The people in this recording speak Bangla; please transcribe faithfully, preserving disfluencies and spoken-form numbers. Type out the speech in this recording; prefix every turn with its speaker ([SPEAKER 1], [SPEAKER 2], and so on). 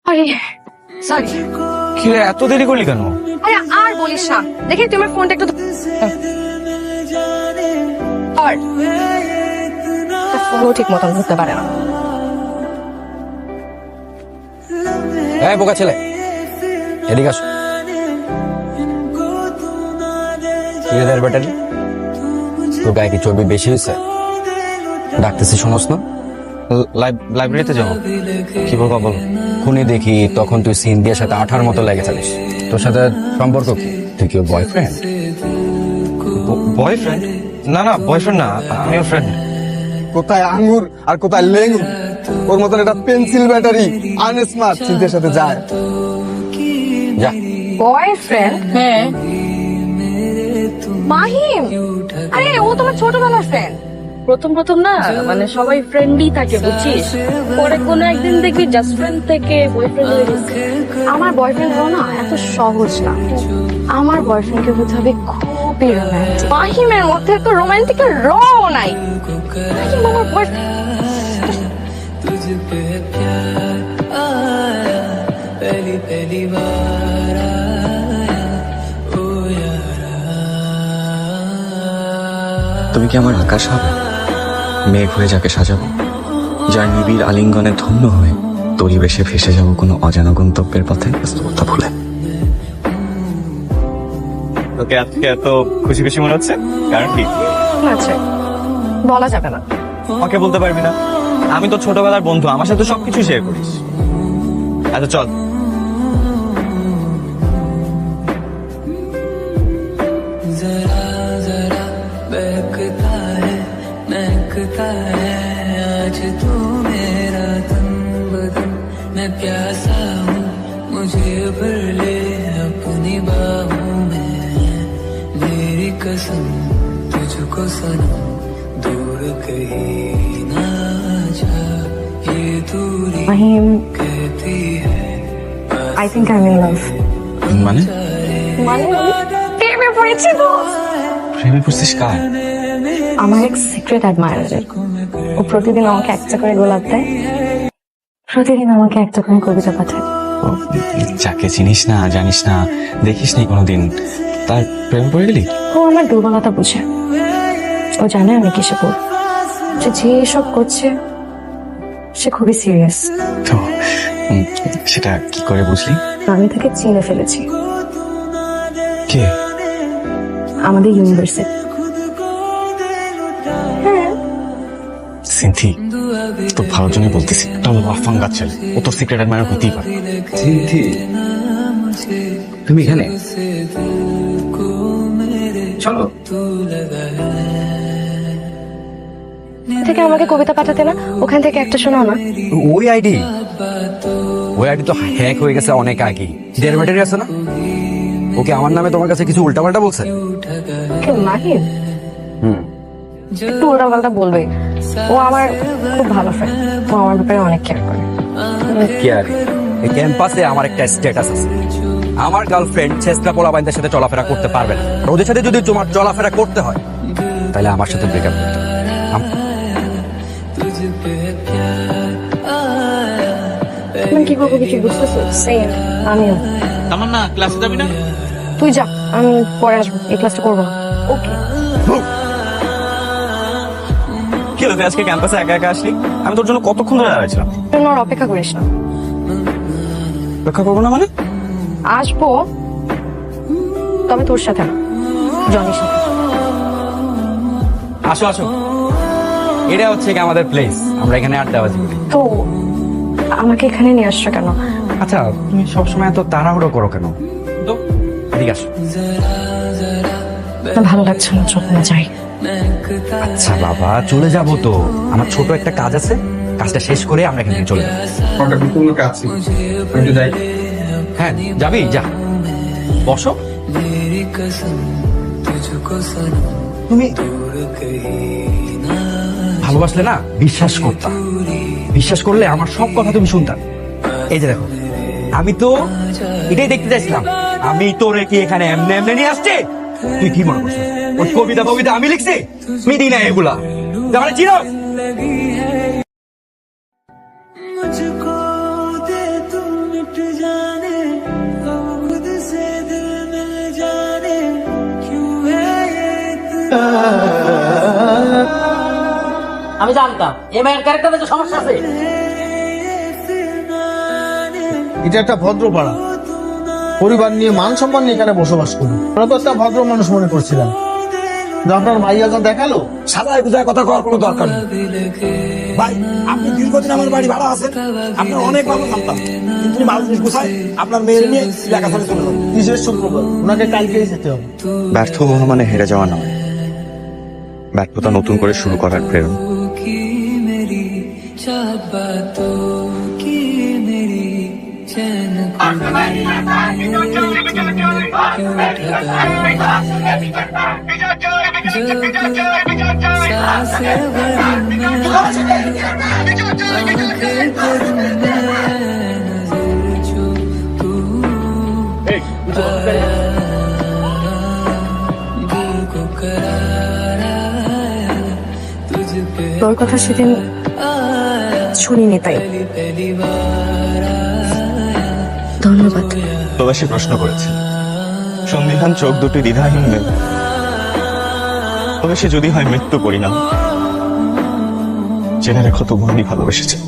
[SPEAKER 1] আরে সরি।
[SPEAKER 2] কি রে, এত দেরি করলি কেন?
[SPEAKER 1] আরে আর বলিস না, দেখি তোমার ফোনটা একটু আর ফোনও ঠিক মতন ধরতে পারে না।
[SPEAKER 2] এই বোকা ছেলে, এদিকে আসো। কি রে তোর ব্যাটারি, তোর গায়ে কি চর্বি বেশি হয়েছে? ডাকতেছি শোনস না? লাইব্রেরিতে যাও। কি বলবো বলো? খুনি দেখি তখন তুই সিন্ধিয়ার সাথে আঠার মতো লেগে থাকিস। তোর সাথে সম্পর্ক কি? তুই কি ওর বয়ফ্রেন্ড? বয়ফ্রেন্ড? না না, বয়ফ্রেন্ড না, আমি ওর ফ্রেন্ড।
[SPEAKER 3] কোথায় আঙ্গুর আর কোথায় লেঙ্গুর, ওর মতন এটা পেন্সিল ব্যাটারি আনস্মার্ট চিন্তার সাথে যায়।
[SPEAKER 2] যা।
[SPEAKER 1] বয়ফ্রেন্ড? হ্যাঁ। মাহিম, আরে ও তোমার ছোটবেলার ফ্রেন্ড।
[SPEAKER 4] প্রথম প্রথম না মানে সবাই ফ্রেন্ডই থাকে বুঝছিস, পরে কোনো একদিন দেখবি জাস্ট ফ্রেন্ড থেকে বয়ফ্রেন্ড হয়ে গেছে।
[SPEAKER 1] আমার বয়ফ্রেন্ড হলো না এত সহজ না। আমার বয়ফ্রেন্ডকে হতে হবে খুবই রোমান্টিক। মাহিমের মধ্যে তো রোমান্টিকের র নাই। মাহিম আমার বয়ফ্রেন্ড।
[SPEAKER 5] তুমি কি আমার আকাশ হবে, মেঘ হয়ে যাকে সাজাবো, যার নিবিড় আলিঙ্গনে ধন্য হয়ে পরিবেশে ভেসে যাব কোনো অজানা গন্তব্যের পথে ব্যস্ততা ভুলে।
[SPEAKER 2] তোকে আজকে এত খুশি খুশি মনে হচ্ছে, কারণ কি?
[SPEAKER 1] আচ্ছা বলা যাবে না।
[SPEAKER 2] আমাকে বলতে পারবি না? আমি তো ছোটবেলার বন্ধু, আমার সাথে সবকিছু শেয়ার করিস। আচ্ছা চল।
[SPEAKER 6] आज तू मेरा तन बदन, मैं प्यासा हूँ, मुझे भर ले अपनी बाहों में। मेरी कसम तुझको सनम, दूर कहीं ना जा, ये दूरी
[SPEAKER 1] মাহিম,
[SPEAKER 6] कहती है
[SPEAKER 1] I think I am in love.
[SPEAKER 5] মানে
[SPEAKER 1] মানে প্রেমে পড়েছি তো।
[SPEAKER 5] প্রেমে পড়ছিস কার?
[SPEAKER 1] আমার এক সিক্রেট অ্যাডমায়ারের। ও প্রতিদিন আমাকে একটা করে গোলাপ দেয়, প্রতিদিন আমাকে একটা করে কবিতা পাঠায়।
[SPEAKER 5] ও, যাকে চিনিস না জানিস না দেখিস নি কোনোদিন, তার প্রেমে পড়ে গেলি?
[SPEAKER 1] ও আমার দুর্বলতা বুঝে। ও জানে আমি কিসে পড়ি। সে যে সব করছে সে খুবই সিরিয়াস।
[SPEAKER 5] তো উম, সেটা কি করে বুঝলি?
[SPEAKER 1] আমি তাকে চিনে ফেলেছি।
[SPEAKER 5] কে?
[SPEAKER 1] আমাদের ইউনিভার্সিটি। হ্যাঁ
[SPEAKER 5] সিনথি, তো ভালোর জন্য বলতেছি, তাহলে আফাঙ্গা ছেলে, ও তোর সিক্রেট অ্যাডমায়ার হতেই পারে।
[SPEAKER 2] সিনথি, তুমি এখানে? চলো।
[SPEAKER 1] থেকে আমাকে কবিতা পাঠাতে না, ওখান থেকে একটা শোনাও না।
[SPEAKER 2] ওই আইডি ওই আইডি তো হ্যাক হয়ে গেছে অনেক আগে। দেড় ব্যাটারি আছে না? ওকে আমার নামে তোমার কাছে কিছু উল্টাপাল্টা বলছে?
[SPEAKER 1] কেউ মাহিম
[SPEAKER 2] হুম,
[SPEAKER 1] একটু উল্টাপাল্টা বলবে। ও আমার খুব ভালো ফ্রেন্ড, ও আমার ব্যাপারে অনেক কেয়ার করে।
[SPEAKER 2] কি আর, এই ক্যাম্পাসে আমার একটা স্ট্যাটাস আছে। আমার গার্লফ্রেন্ড ছেসরা পোলা বাইনদের সাথে চলাফেরা করতে পারবে না। আর ওদের সাথে যদি তোমার চলাফেরা করতে হয় তাহলে আমার সাথে ব্রেকআপ করতে হবে। আম-
[SPEAKER 1] তুমি কি করবো কিছু বুঝতেছো? সেম আমিও।
[SPEAKER 2] আমার না ক্লাসে যাবি না?
[SPEAKER 1] তুই যা, আমি পরে আসবো, এই ক্লাসটা করবো না। ওকে।
[SPEAKER 2] কি হলো, তুই আজকে ক্যাম্পাসে একা একা আসলি? আমি তোর জন্য কতক্ষণ ধরে দাঁড়াইছিলাম।
[SPEAKER 1] জন্য আর অপেক্ষা করিস না।
[SPEAKER 2] অপেক্ষা করবো না মানে?
[SPEAKER 1] আসবো, তবে তোর সাথে না, জনির সাথে।
[SPEAKER 2] আসো আসো, এটা হচ্ছে কি আমাদের প্লেস, আমরা এখানে আড্ডাবাজি করি।
[SPEAKER 1] তো আমাকে এখানে নিয়ে আসছো কেন?
[SPEAKER 2] আচ্ছা, তুমি সবসময় এত তাড়াহুড়ো করো কেন? তো এদিকে আসো।
[SPEAKER 1] না, ভালো লাগছে না, চোখ না যাই।
[SPEAKER 2] আচ্ছা বাবা, চলে যাবো তো, আমার ছোট একটা কাজ আছে, কাজটা শেষ করে আমরা এখান থেকে চলে যাবো। হ্যাঁ যাবি, যা বসো।
[SPEAKER 6] मेरी कसम तुझको सनम,
[SPEAKER 2] তুমি
[SPEAKER 6] दूर कहीं ना
[SPEAKER 2] ভালোবাসলে না বিশ্বাস করতাম, বিশ্বাস করলে আমার সব কথা তুমি শুনতাম। এই যে দেখো, আমি তো এটাই দেখতে চাইছিলাম, আমি তোরে কি এখানে এমনি এমনি নিয়ে আসছি? তুই কি মনে করছিস ওই কবিতা কবিতা আমি লিখছি? আমি দিই না এগুলা, তাহলে চিনো?
[SPEAKER 6] मुझको दे तू
[SPEAKER 7] আমি জানতাম এই মেয়ের ক্যারেক্টারে যে সমস্যা আছে।
[SPEAKER 3] এটা একটা ভদ্র পাড়া, পরিবার নিয়ে মান সম্মান নিয়ে এখানে বসবাস করি। আমরা তো একটা ভদ্র মানুষ মনে করছিলাম, কিন্তু আপনার ভাইয়া যা দেখালো।
[SPEAKER 2] সাদায় গুজায় কথা কওয়ার কোনো দরকার নেই ভাই। আপনি দীর্ঘদিন আমার বাড়ি ভাড়া আছেন, আপনার অনেক ভালো জানতাম, কিন্তু ভালো জিনিস গুছায় আপনার মেয়ের নিয়ে লেখাপড়া চলে যাবে।
[SPEAKER 3] কিসের শুক্রবার? ওনাকে কালকেই যেতে হবে।
[SPEAKER 5] ব্যর্থ হওয়া মানে হেরে যাওয়া নয়, ব্যর্থতা নতুন করে শুরু করার প্রেরণা।
[SPEAKER 6] की मेरी चाहत बातों की मेरी चैन को क्यों ठगा सांसें भरी मैं आंखें करूं मैं नजर जो तू आया दिल को करार आया तुझ पे
[SPEAKER 1] তোর কথা সেদিন শুনিনি, তাই
[SPEAKER 6] पहली बार आया
[SPEAKER 1] ধন্যবাদ।
[SPEAKER 5] ভালোবাসি প্রশ্ন করেছে, সন্দিহান চোখ দুটি দ্বিধাহীন মেয়ে। তবে সে যদি হয় মৃত্যু পরিণাম, জেনে রেখো তবু আমি ভালোবেসেছে।